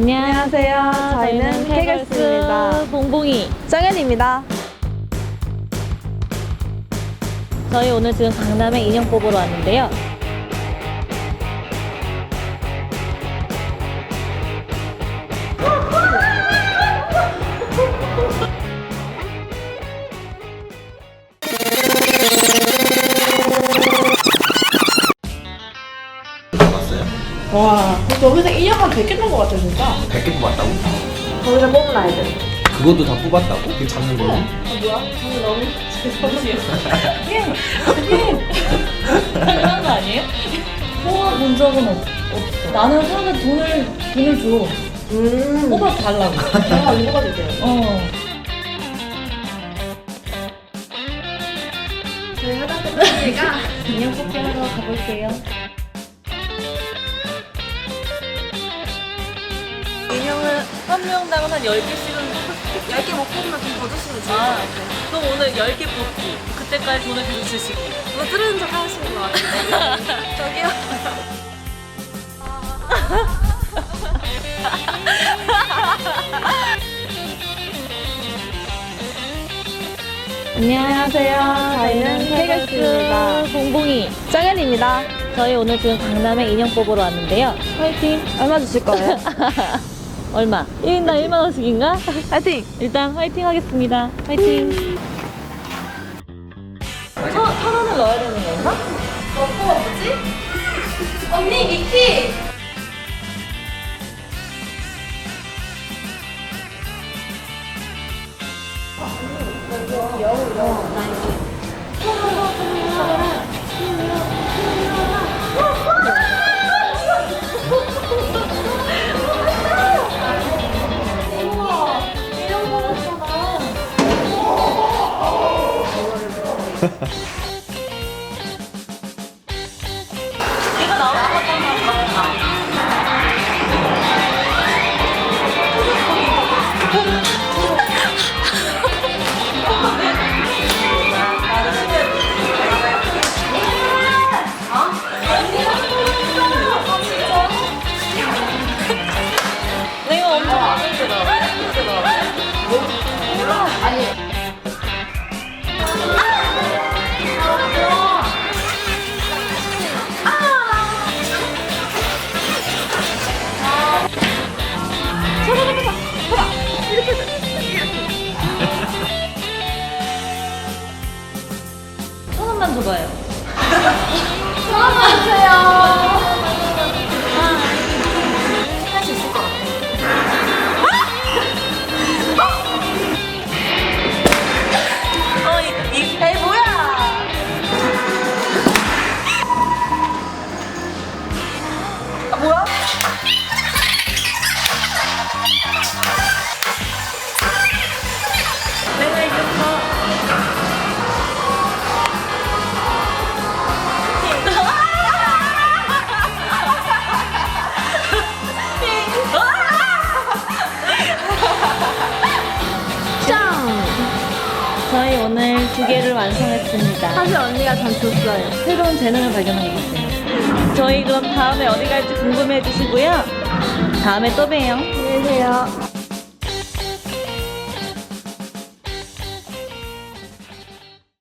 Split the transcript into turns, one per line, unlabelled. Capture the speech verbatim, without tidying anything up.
안녕하세요.
저희는 K걸스입니다.
봉봉이
정현입니다.
저희 오늘 지금 강남에 인형 뽑으러 왔는데요.
뽑았어요?
와, 여기서 인형 한 백 개 뽑은 것 같아, 진짜.
백 개 뽑았다고?
거기서 뽑은 아이들.
그것도 다 뽑았다고? 그 잡는 걸로?
아, 뭐야? 저는 너무 죄송해요. 예, 예.
당연한 거 아니에요? 뽑아본 적은 없, 없어. 나는 사람들 돈을, 돈을 줘.
음.
뽑아 달라고.
제가 이거 가줄게요.
어.
저희 하다 끝났으니까.
인형 뽑기 하러 가볼게요.
인형은
한 명당 한 열 개씩은.
열 개 못 뽑으면 좀 더 주시면 좋을 것
아,
같아요.
그럼 오늘 열 개 뽑기. 그때까지 돈을 계속 주시기.
뭐 들은 척 하시는 것 같은데. 저기요.
안녕하세요.
저희는 K걸스입니다.
봉봉이
정현입니다.
저희 오늘 지금 강남에 인형 뽑으러 왔는데요. 화이팅!
얼마 주실 거예요?
얼마? 일 인당 일만 원씩인가?
파이팅!
일단 화이팅 하겠습니다. 화이팅! 천, 천 원을 넣어야 되는 건가?
어, 뭐지? 언니, 미키!
이거 나오는 것만 내가 엄청 마음에 들어. 천 원만 줘봐요.
전화만 주세요. 할 수 있을 것 같아.
어, 이, 이,
에이, 뭐야? 아, 뭐야?
내가 이겼어.
짱!
저희 오늘 두 개를 완성했습니다.
사실 언니가 전 줬어요.
새로운 재능을 발견한 것 같아요. 저희 그럼 다음에 어디 갈지 궁금해 해주시고요. 다음에 또 봬요.
안녕히 계세요.